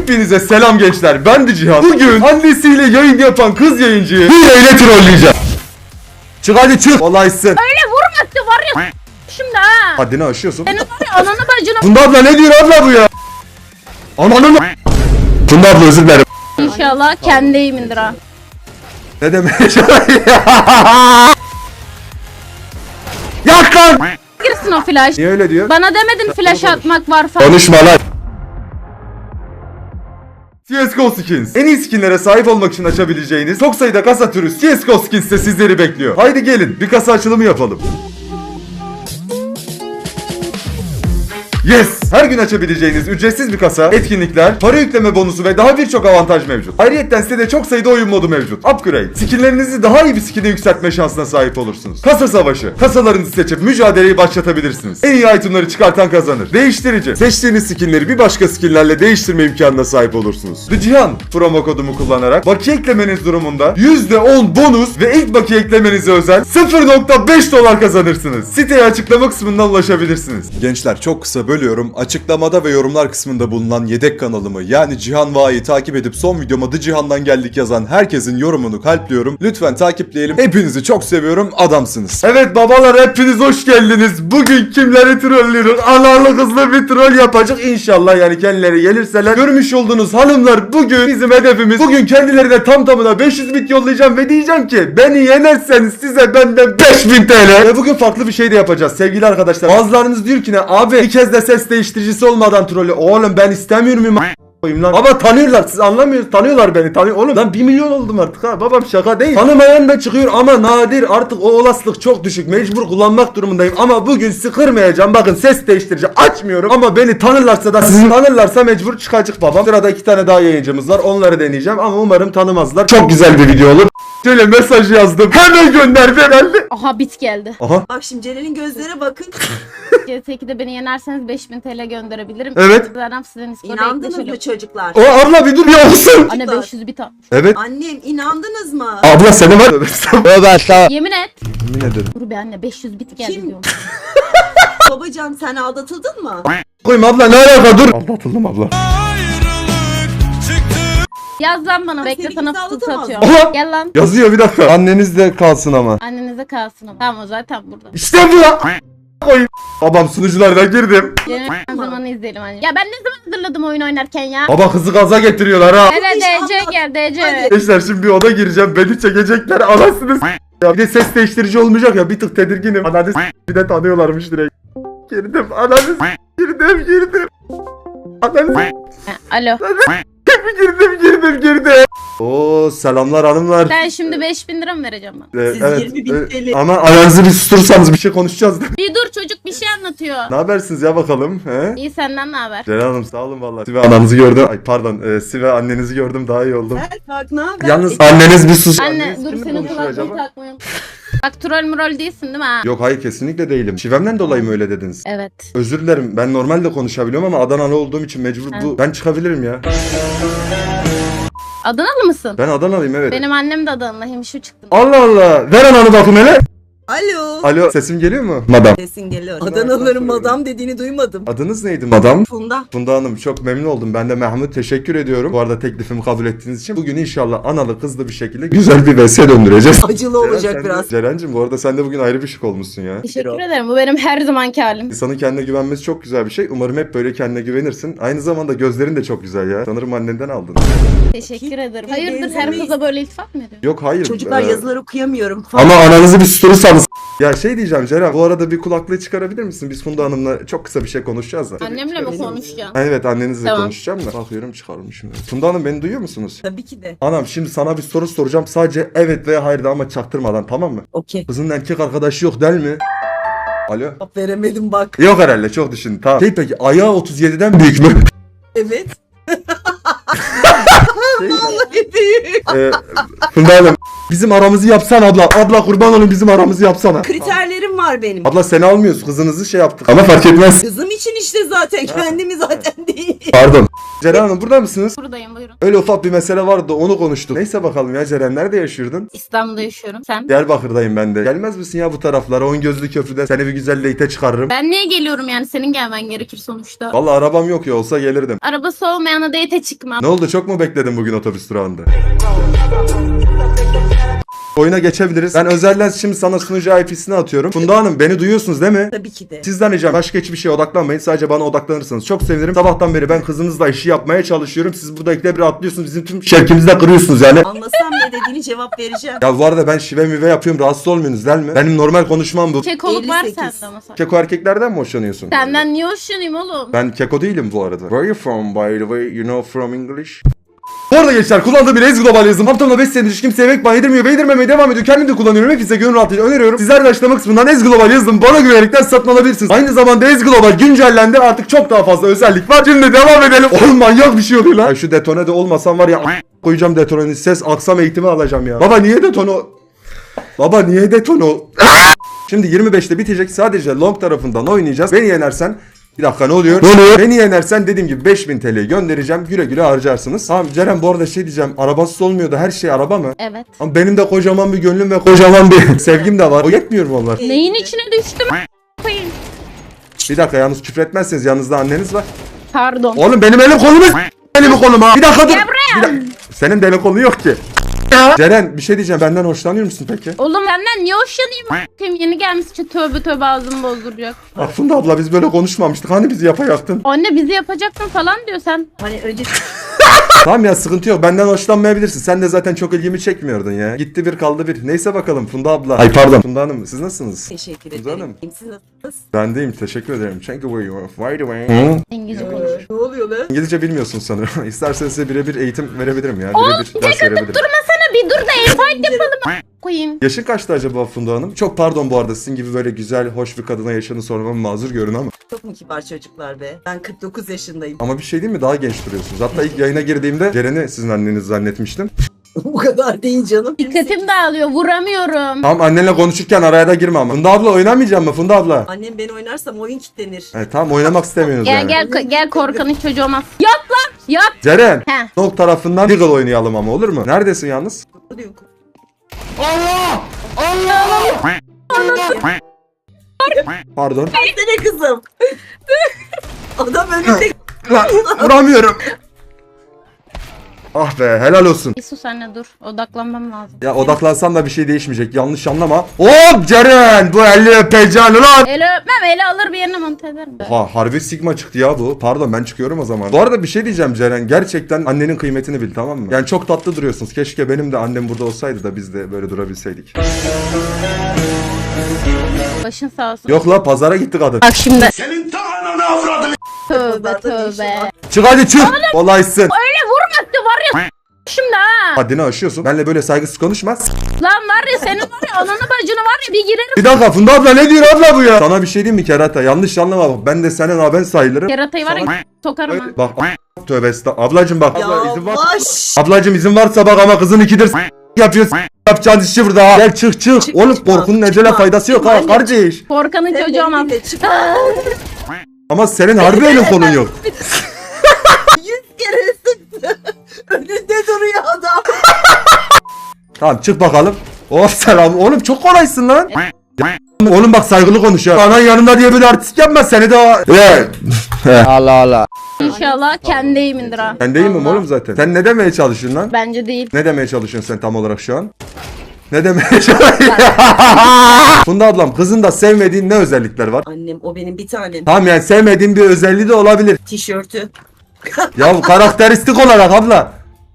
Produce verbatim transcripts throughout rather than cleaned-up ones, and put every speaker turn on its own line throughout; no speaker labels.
Hepinize selam gençler, ben de Cihan. Bugün annesiyle yayın yapan kız yayıncıyı hileyle trolleyeceğim. Çık hadi çık. Olaysın.
Öyle vurmaktı var ya şimdi ha.
Haddini aşıyorsun.
Senin var ya ananı bacını.
Funda abla ne diyor abla bu ya? Ananı mı? Funda abla özür dilerim.
İnşallah kendi eğimindir ha.
Ne demek? Yak lan!
Girsin o flash.
Niye öyle diyor?
Bana demedin flash atmak var falan.
Konuşma lan. C S G O Skins. En iyi skinlere sahip olmak için açabileceğiniz çok sayıda kasa türü C S G O Skins'te sizleri bekliyor. Haydi gelin bir kasa açılımı yapalım. Yes! Her gün açabileceğiniz ücretsiz bir kasa, etkinlikler, para yükleme bonusu ve daha birçok avantaj mevcut. Ayrıyeten sitede çok sayıda oyun modu mevcut. Upgrade. Skinlerinizi daha iyi bir skine yükseltme şansına sahip olursunuz. Kasa savaşı. Kasalarınızı seçip mücadeleyi başlatabilirsiniz. En iyi itemları çıkartan kazanır. Değiştirici. Seçtiğiniz skinleri bir başka skinlerle değiştirme imkanına sahip olursunuz. The Cihan promo kodumu kullanarak bakiye eklemeniz durumunda yüzde on bonus ve ilk bakiye eklemenize özel sıfır nokta beş dolar kazanırsınız. Siteye açıklama kısmından ulaşabilirsiniz. Gençler çok kısa bölüyorum. Açıklamada ve yorumlar kısmında bulunan yedek kanalımı yani Cihan Va'yı takip edip son videoma The Cihan'dan geldik yazan herkesin yorumunu kalpliyorum. Lütfen takipleyelim. Hepinizi çok seviyorum. Adamsınız. Evet babalar hepiniz hoş geldiniz. Bugün kimleri trollüyoruz? Analı kızlı bir troll yapacak inşallah yani kendileri gelirseler. Görmüş olduğunuz hanımlar bugün bizim hedefimiz. Bugün kendilerine tam tamına beş yüz bit yollayacağım ve diyeceğim ki beni yenerseniz size benden beş bin T L. Ve bugün farklı bir şey de yapacağız sevgili arkadaşlar. Bazılarınız diyor ki ne abi bir kez de ses değiştiricisi olmadan trolü. Oğlum ben istemiyorum koyayım lan. Baba tanıyorlar siz anlamıyorsunuz. Tanıyorlar beni tanıyor. Oğlum ben bir milyon oldum artık ha. Babam şaka değil. Tanımayan da çıkıyor ama nadir. Artık o olasılık çok düşük. Mecbur kullanmak durumundayım. Ama bugün sıkırmayacağım. Bakın ses değiştirici açmıyorum. Ama beni tanırlarsa da sizi tanırlarsa mecbur çıkacak babam. Sırada iki tane daha yayıncımız var. Onları deneyeceğim ama umarım tanımazlar. Çok güzel bir video olur. Şöyle mesaj yazdım. Hemen gönderdi herhalde.
Aha bit geldi.
Aha.
Bak şimdi Celal'in gözlere bakın.
C S iki'de beni yenerseniz beş bin T L gönderebilirim.
Evet.
Zaten sizin iskoda
İnandınız mı
ekleşelim.
çocuklar?
O abla bir dur ya olsun.
Anne beş yüz bit atmış.
Evet.
Annem inandınız mı?
Abla seni var. Evet.
Yemin et.
Yemin ederim.
Dur be anne beş yüz bit geldi
Kim?
diyorum.
Babacan sen aldatıldın mı?
Koyayım abla ne alaka dur. Aldatıldım abla.
Yaz lan bana bekle
seni
sana
kimse
fısıltı
aldatamaz.
atıyorum.
Oha!
Gel lan.
Yazıyor bir dakika. Anneniz de kalsın ama.
Annenize kalsın ama. Tamam o zaten burada.
İşte bu ya. Koyayım. Babam sunuculardan girdim.
Yemin zamanı izleyelim anne. Ya ben ne zaman hazırladım oyun oynarken ya?
Baba kızı gaza getiriyorlar ha.
Hele
İnşallah.
D C gel D C.
Hadi.
Gençler şimdi bir oda gireceğim. Beni çekecekler. Anasını s- ya. Bir de ses değiştirici olmayacak ya. Bir tık tedirginim. Ananı s- bir de tanıyorlarmış direkt. Girdim. Ananı s- girdim girdim. Ananı s-
Ha, Alo.
girdim girdim girdim. Oo selamlar hanımlar.
Sen şimdi beş bin lira mı vereceğim bana?
Ee,
Siz yirmi bin
e,
T L.
Ama ayağınızı bir susturursanız bir şey konuşacağız.
Bir dur çocuk bir şey anlatıyor.
Ne habersiniz ya bakalım? He?
İyi senden ne haber?
Ceren Hanım sağ olun vallahi. Sive ananızı gördüm. Ay pardon. E, Sive annenizi gördüm daha iyi oldum.
Sen bak ne haber?
Yalnız
E,
anneniz bir sus.
Anne
Anneniz
dur
kimle
senin
konuşuyor
kulaklığı
acaba?
takmayın. Bak troll murol değilsin değil mi ha?
Yok hayır kesinlikle değilim. Şivemden dolayı mı öyle dediniz?
Evet.
Özür dilerim. Ben normalde konuşabiliyorum ama Adanalı olduğum için mecbur bu. Ben çıkabilirim ya.
Adanalı mısın?
Ben Adanalıyım evet.
Benim annem de Adanalı. Hemşire çıktım.
Allah Allah. Ver ananı bakayım hele.
Alo.
Alo sesim geliyor mu? Madam.
Sesin geliyor. Adanalıların madam dediğini duymadım.
Adınız neydi madam?
Funda.
Funda Hanım çok memnun oldum. Ben de Mehmet teşekkür ediyorum. Bu arada teklifimi kabul ettiğiniz için. Bugün inşallah analı kızlı bir şekilde güzel bir V S döndüreceğiz.
Acılı olacak
sen de-
biraz.
Ceren'cim bu arada sen de bugün ayrı bir şık olmuşsun ya.
Teşekkür ederim. Bu benim her zamanki halim.
İnsanın kendine güvenmesi çok güzel bir şey. Umarım hep böyle kendine güvenirsin. Aynı zamanda gözlerin de çok güzel ya. Sanırım annenden aldın.
Teşekkür ederim.
Bir
Hayırdır her
benzemeyiz.
kıza böyle iltifat mı ediyorsun?
Yok hayır.
Çocuklar
Ee,
yazılar okuyamıyorum falan.
Ama ananızı bir susturursanız. Ya şey diyeceğim Ceren, bu arada bir kulaklığı çıkarabilir misin? Biz Funda Hanım'la çok kısa bir şey konuşacağız da.
Annemle mi konuşacaksın?
Ha, evet annenizle
Tamam.
konuşacağım da. Bakıyorum çıkarmışım. Funda Hanım beni duyuyor musunuz?
Tabii ki de.
Anam şimdi sana bir soru soracağım. Sadece evet veya hayır de ama çaktırmadan tamam mı?
Okey.
Kızın erkek arkadaşı yok değil mi? Alo?
Cevap veremedim bak.
Yok herhalde çok düşün. Tamam. Şey peki ayağı otuz yediden büyük mü?
Evet.
Şey,
Vallahi büyük.
e, Funda Hanım Bizim aramızı yapsan abla. Abla kurban olun bizim aramızı yapsana.
Kriterlerim var benim.
Abla seni almıyoruz. Kızınızı şey yaptık. Ama fark etmez.
Kızım için işte zaten kendimi zaten değil.
Pardon. Ceren Hanım burada mısınız?
Buradayım, buyurun.
Öyle ufak bir mesele vardı onu konuştuk. Neyse bakalım ya Ceren nerede yaşıyordun?
İstanbul'da yaşıyorum. Sen?
Diyarbakır'dayım ben de. Gelmez misin ya bu taraflara? On gözlü köprüde seni bir güzel date'e çıkarırım.
Ben niye geliyorum yani? Senin gelmen gerekir sonuçta.
Vallahi arabam yok ya olsa gelirdim.
Arabası olmayana date çıkmam.
Ne oldu çok mu bekledin bugün otobüs durağında? Oyuna geçebiliriz. Ben özelden şimdi sana sunucu I P'sini atıyorum. Funda Hanım beni duyuyorsunuz değil mi?
Tabii ki de.
Sizden ricam başka hiçbir şeye odaklanmayın. Sadece bana odaklanırsanız çok sevinirim. Sabahtan beri ben kızınızla işi yapmaya çalışıyorum. Siz burada ikide bir atlıyorsunuz. Bizim tüm şevkimizi de kırıyorsunuz yani.
Anlasam ne dediğini cevap vereceğim.
Ya bu arada ben şive mive yapıyorum. Rahatsız olmuyorsunuz değil mi? Benim normal konuşmam bu.
Kekoluk var
elli sekiz.
sende ama sen.
Keko erkeklerden mi hoşlanıyorsun?
Senden niye hoşlanayım oğlum?
Ben keko değilim bu arada. Where are you from by the way? You know from English? Bu arada gençler kullandığım bir Ez Global yazılım. Haftamda beş senedir hiç kimseye ekmek yedirmiyor ve yedirmemeye devam ediyor. Kendim de kullanıyorum. Hepinize gönül rahatlığıyla öneriyorum. Sizler de açıklama kısmından Ez Global yazılım bana güvenerekten satın alabilirsiniz. Aynı zamanda Ez Global güncellendi. Artık çok daha fazla özellik var. Şimdi devam edelim. Oğlum manyak bir şey oluyor lan. Ya şu detone de olmasam var ya koyacağım detoneni. Ses aksam eğitimi alacağım ya. Baba niye detono? Baba niye detono? Şimdi yirmi beşte bitecek. Sadece long tarafından oynayacağız. Beni yenersen bir dakika ne oluyor? Ne oluyor? Beni yenersen dediğim gibi beş bin T L'yi göndereceğim. Güle güle harcarsınız. Tamam Ceren bu arada şey diyeceğim. Arabasız olmuyor da her şey araba mı?
Evet.
Ama benim de kocaman bir gönlüm ve kocaman bir sevgim de var. O yetmiyor mu onlar?
Neyin içine düştüm? Koyayım.
Bir dakika yalnız küfür etmezseniz yanınızda anneniz var.
Pardon.
Oğlum benim elim kolum benim kolum ha. Bir dakika dur.
Gel buraya.
Bir dakika. Senin de elin kolun yok ki. Ceren bir şey diyeceğim. Benden hoşlanıyor musun peki?
Oğlum benden niye hoşlanayım? Kim yeni gelmiş için tövbe tövbe ağzımı bozduracak.
Bak Funda abla biz böyle konuşmamıştık. Hani bizi yapacaktın?
Anne bizi yapacaksın falan diyor sen.
Hani önce
Tamam ya sıkıntı yok. Benden hoşlanmayabilirsin. Sen de zaten çok ilgimi çekmiyordun ya. Gitti bir kaldı bir. Neyse bakalım Funda abla. Ay pardon. Funda Hanım siz nasılsınız?
teşekkür
Funda
ederim.
Hanım.
Siz nasılsınız?
Ben deyim. Teşekkür ederim. Thank you very much. By the way.
İngilizce konuşur.
Ne oluyor lan?
İngilizce bilmiyorsun sanırım. İsterseniz size birebir eğitim verebilirim ya. Birebir ders verebilirim.
Durmasana bir dur da el fight yapalım. Koyayım.
Yaşın kaçtı acaba Funda Hanım? Çok pardon bu arada sizin gibi böyle güzel, hoş bir kadına yaşını sormam mazur görün ama.
Çok mu kibar çocuklar be? Ben kırk dokuz yaşındayım.
Ama bir şey değil mi? Daha genç duruyorsunuz. Hatta ilk yayına girdiğimde Ceren'i sizin anneniz zannetmiştim.
Bu kadar değil canım.
Dikkatim dağılıyor, vuramıyorum.
Tamam annenle konuşurken araya da girme ama. Funda abla oynamayacak mı Funda abla?
Annem ben oynarsam oyun kilitlenir.
Evet tamam oynamak istemiyorsunuz
Gel
yani.
gel ko- gel korkanın çocuğu olmaz. Yat lan yat.
Ceren.
He.
Nok tarafından Deagle oynayalım ama olur mu? Neredesin yalnız? Allah! Allah! Pardon.
Ne kızım? Adam önünde.
Lan vuramıyorum. Ah be helal olsun.
Bir sus anne dur. Odaklanmam lazım.
Ya odaklansan da bir şey değişmeyecek. Yanlış anlama. Hop Ceren bu elli öpeceğim lan.
Eli öpmem, eli alır bir yerine monte ederim.
Ha harbi sigma çıktı ya bu. Pardon ben çıkıyorum o zaman. Bu arada bir şey diyeceğim Ceren. Gerçekten annenin kıymetini bil tamam mı? Yani çok tatlı duruyorsunuz. Keşke benim de annem burada olsaydı da biz de böyle durabilseydik.
Başın sağ olsun.
Yok la pazara gitti kadın.
Bak şimdi.
Senin ta ananı avradını.
Tövbe tövbe.
Çık hadi çık. Kolaysın.
Öyle vurmaktı var ya şimdi ha.
Haddini aşıyorsun. Benle böyle saygısız konuşma.
Lan var ya senin var ya ananı bacını var ya bir girerim.
Bir dakika Funda abla ne diyor abla bu ya? Sana bir şey diyeyim mi kerata? Yanlış anlama bak. Ben de senin aben sayılırım.
Yaratayı var ya sokarım ha.
Öyle- Bak tövbe estağfurullah. Ablacım bak. Abla, izin var.
Yavaş.
Ablacım izin varsa bak ama kızın ikidir s- yapıyorsun. Yapacağın işi burada ha. Gel çık çık.
Çık,
Oğlum
çıkma,
korkunun ecele
çıkma.
faydası yok ha
Aynen.
kardeş.
Korkanın
Sen
çocuğu olmaz.
benimle çık.
Ama senin harbi elin kolun yok.
Yüz kere sıktı. Önünde duruyor adam.
Tamam çık bakalım. Oh selam. Oğlum çok kolaysın lan. Oğlum bak saygılı konuş ya. Anan yanında diye böyle artistik yapma seni de. Evet.
Allah Allah.
İnşallah kendi eğimindir ha.
Ben değil miyim
Allah.
oğlum zaten? Sen ne demeye çalışıyorsun lan?
Bence değil.
Ne demeye çalışıyorsun sen tam olarak şu an? Ne demeye çalışıyorsun? Funda ablam kızın da sevmediğin ne özellikler var?
Annem o benim bir tanem.
Tamam yani sevmediğin bir özelliği de olabilir.
Tişörtü.
Ya karakteristik olarak abla.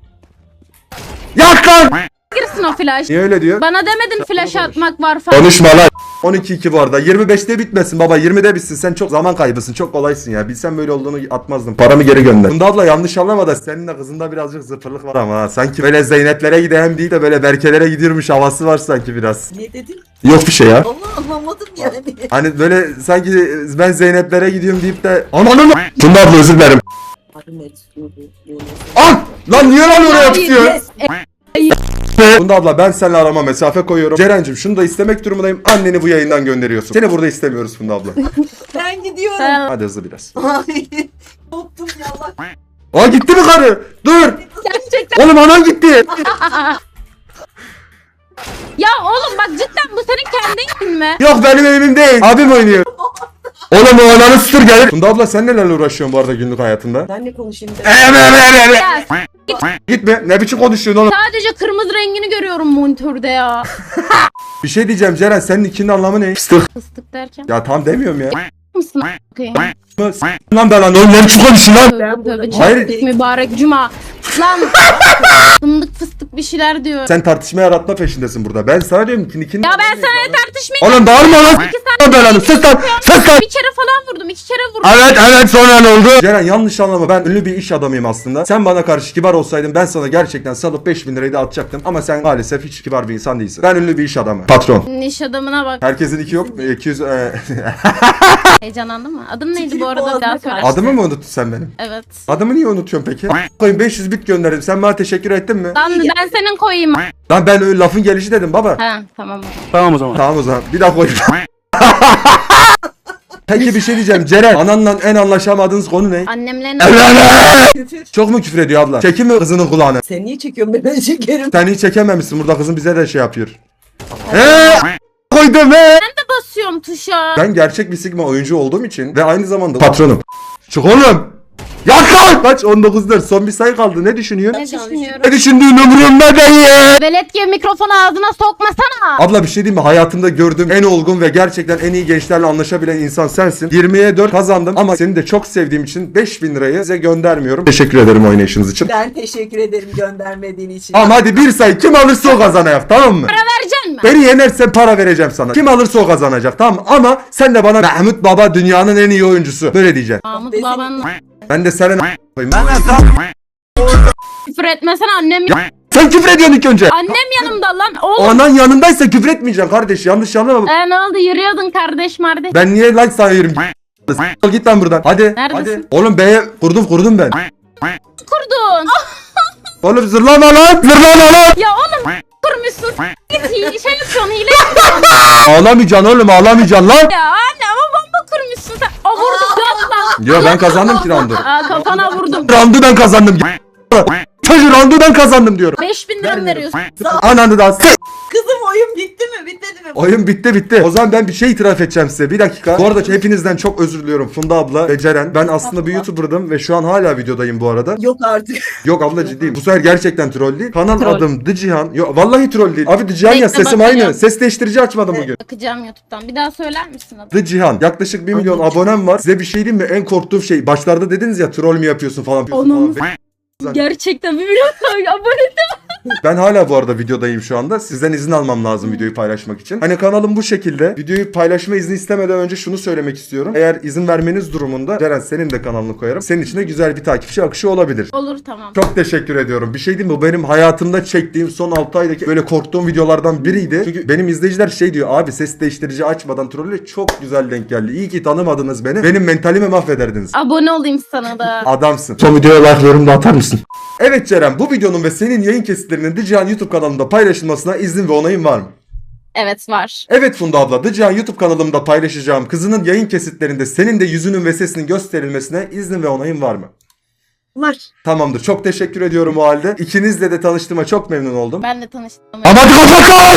Yak lan!
Girsin o flash.
Niye öyle diyor?
Bana demedin flash atmak var falan.
Konuşma lan. on iki iki bu arada. yirmi beşte bitmesin baba. yirmide bitsin. Sen çok zaman kaybısın. Çok kolaysın ya. Bilsen böyle olduğunu atmazdım. Paramı geri gönder. Funda abla yanlış anlama da senin de kızında birazcık zıpırlık var ama ha. Sanki böyle Zeyneplere giden değil de böyle Berkelere gidiyormuş havası var sanki biraz.
Ne dedin?
Yok bir şey ya.
Allah anlamadım yani.
Hani böyle sanki ben Zeyneplere gidiyorum deyip de ananı mı? Funda abla özür dilerim.
Ahmet.
An! Lan niye lan oraya tutuyor?
Yes.
Funda abla ben seninle arama mesafe koyuyorum. Ceren'cim şunu da istemek durumundayım. Anneni bu yayından gönderiyorsun. Seni burada istemiyoruz Funda abla.
Ben gidiyorum.
Sen-
Hadi hızlı biraz.
Ay. Koptum ya Allah.
Aa gitti mi karı? Dur.
Gerçekten.
Oğlum anan gitti.
Ya oğlum bak cidden bu senin kendi evin mi?
Yok benim evim değil. Abim oynuyor. Oğlum o ananı sıtır gelir. Funda abla sen nelerle uğraşıyorsun bu arada günlük hayatında?
Ben ne konuşayım de.
Ya
Gitme. Ne biçim konuşuyorsun oğlum?
sadece kırmızı rengini görüyorum monitörde ya.
Bir şey diyeceğim Ceren senin ikinin anlamı ne? Fıstık.
Fıstık derken.
Ya tam demiyorum ya.
Mısın? Okey.
Mı? S- Lan ben lan oğlum ne biçim konuşuyorsun lan?
Tövbe tövbe.
Hayır.
Hayır. Mübarek cuma. Lan fındık fıstık bir şeyler diyor.
Sen tartışma yaratma peşindesin burada. Ben sana diyorum ki ikinin
Ya ben
anlamı ne?
sana ne tartışmayayım?
Oğlum bağırma lan. Lan belanı. Sus lan. Sus lan.
Bir kere falan vurdum, iki kere vurdum.
Evet evet sonra ne oldu? Ceren yanlış anlama ben ünlü bir iş adamıyım aslında. Sen bana karşı kibar olsaydın ben sana gerçekten salıp beş bin lirayı da atacaktım. Ama sen maalesef hiç kibar bir insan değilsin. Ben ünlü bir iş adamı. Patron.
İş adamına bak.
Herkesin iki yok mu? iki yüz... E...
Heyecanlandın mı? Adın neydi bu arada? Bir daha söyle.
Adımı mı unuttun sen benim?
Evet.
Adımı niye unutuyorsun peki? Koyun beş yüz bit gönderdim. Sen bana teşekkür ettin mi?
Lan ben senin koyayım.
Lan ben öyle lafın gelişi dedim baba.
Ha tamam.
Tamam o zaman. Bir daha koy. Peki bir şey diyeceğim. Ceren ananla en anlaşamadığınız konu ne?
Annemle
Küfür.
Çok mu küfür ediyor abla? Çekin mi kızının kulağını?
Sen niye çekiyorsun ben çekerim.
Sen hiç çekememişsin. Burada kızın bize de şey yapıyor. Eee koydum he.
de basıyorum tuşa.
Ben gerçek bir Sigma oyuncu olduğum için ve aynı zamanda patronum. Çık oğlum. Yak lan. Kaç? on dokuz dört. Son bir sayı kaldı. Ne düşünüyor?
Ne düşünüyorum?
Ne düşündüğün umurumda değil.
Velet gibi mikrofonu ağzına sokmasana.
Abla bir şey diyeyim mi? Hayatımda gördüğüm en olgun ve gerçekten en iyi gençlerle anlaşabilen insan sensin. yirmiye dört kazandım ama seni de çok sevdiğim için beş bin lirayı size göndermiyorum. Teşekkür ederim oynayışınız için.
Ben teşekkür ederim göndermediğin için.
Ama hadi bir sayı kim alırsa o kazanacak tamam mı?
Para vereceksin mi?
Beni yenersen para vereceğim sana. Kim alırsa o kazanacak tamam mı? Ama sen de bana Mahmut Baba dünyanın en iyi oyuncusu. Böyle diyeceksin.
Mahmut
Desin-
babanla
Ben de sana ne koyayım?
küfür etmesen annem
Sen küfür ediyorsun ilk önce.
Annem yanımda lan oğlum.
Anan yanındaysa küfür etmeyeceksin kardeş. Yanlış anlama.
E ne oldu yürüyordun kardeş mardeş.
Ben niye like sana yürüyorum? Git lan buradan. Hadi.
Neredesin?
Hadi. Oğlum B'ye kurdum kurdum ben.
Kurdun.
Oğlum zırlama lan. Zırlama lan.
Ya oğlum kurmuşsun. Git hi- şey yapıyorsun hile yapıyorsun.
Ağlamayacaksın oğlum ağlamayacaksın lan.
Ya anne ama bomba kurmuşsun sen. O vurdu dört lan.
Ya ben kazandım ki roundu.
Aa kafana vurdum.
Roundu ben kazandım. Çocuğu roundu ben kazandım diyorum.
beş bin lira mı veriyorsun?
Ananı da s-
Kızım oyun bitti mi? Bitmedi mi?
Oyun bitti bitti. O zaman ben bir şey itiraf edeceğim size. Bir dakika. Bu arada hepinizden çok özür diliyorum. Funda abla ve Ceren. Ben aslında bir YouTuber'dım ve şu an hala videodayım bu arada.
Yok artık.
Yok abla ciddiyim. Bu sefer gerçekten troll değil. Kanal
Troll.
adım The Cihan. Yok vallahi troll değil. Abi The Cihan ya
Bekle,
sesim
bakacağım.
aynı. Ses değiştirici açmadım bugün.
Bakacağım YouTube'dan. Bir daha söyler misin adını?
The Cihan. Yaklaşık bir milyon abonem var. Size bir şey diyeyim mi? En korktuğum şey. Başlarda dediniz ya troll mü yapıyorsun falan.
Onun-
falan.
Gerçekten bir milyon abone.
Ben hala bu arada videodayım şu anda. Sizden izin almam lazım videoyu paylaşmak için. Hani kanalım bu şekilde. Videoyu paylaşma izni istemeden önce şunu söylemek istiyorum. Eğer izin vermeniz durumunda Ceren senin de kanalını koyarım. Senin için de güzel bir takipçi akışı olabilir.
Olur tamam.
Çok teşekkür ediyorum. Bir şey diyeyim mi? Bu benim hayatımda çektiğim son altı aydaki böyle korktuğum videolardan biriydi. Çünkü benim izleyiciler şey diyor. Abi ses değiştirici açmadan trolle çok güzel denk geldi. İyi ki tanımadınız beni. Benim mentalimi mahvederdiniz.
Abone olayım sana da.
Adamsın. Son videoya like yorum da atar mısın? Evet Ceren bu videonun ve senin yayın kesitlerinin The Cihan YouTube kanalında paylaşılmasına izin ve onayın var mı?
Evet var.
Evet Funda abla The Cihan YouTube kanalımda paylaşacağım kızının yayın kesitlerinde senin de yüzünün ve sesinin gösterilmesine izin ve onayın var mı?
Var.
Tamamdır çok teşekkür ediyorum o halde. İkinizle de tanıştığıma çok memnun oldum.
Ben de tanıştım.
Ama hadi kapat lan!